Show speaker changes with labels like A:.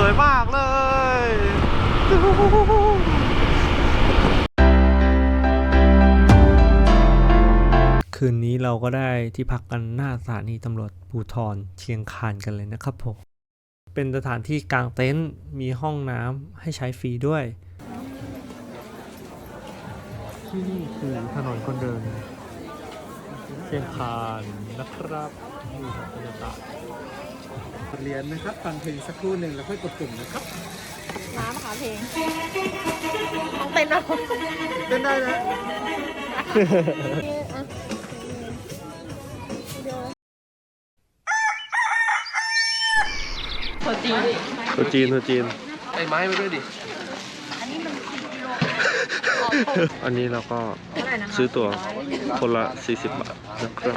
A: วยมากเลยคืนนี้เราก็ได้ที่พักกันหน้าสถานีตำรวจภูธรเชียงคานกันเลยนะครับผมเป็นสถานที่กางเต็นท์มีห้องน้ำให้ใช้ฟรีด้วยที่นี่คือถนนคนเดินเชียงคานนะครับนี่ครับบรรยากาศเรียนนะครับฟังเพลงสักครู่หนึ่งแล้วค่อยกดปุ่มนะครับ
B: น้ำค่ะเพลงต้องเต้นเอา
A: เต้นได้นะ
B: ตัวจีน
A: ตัวจีน
C: ไอ้ไม้มาด้วยดิ
B: อันนี้มัน10 กิโล
A: อันนี้เราก็ซื้อตั๋วคนละ40 บาทนะครับ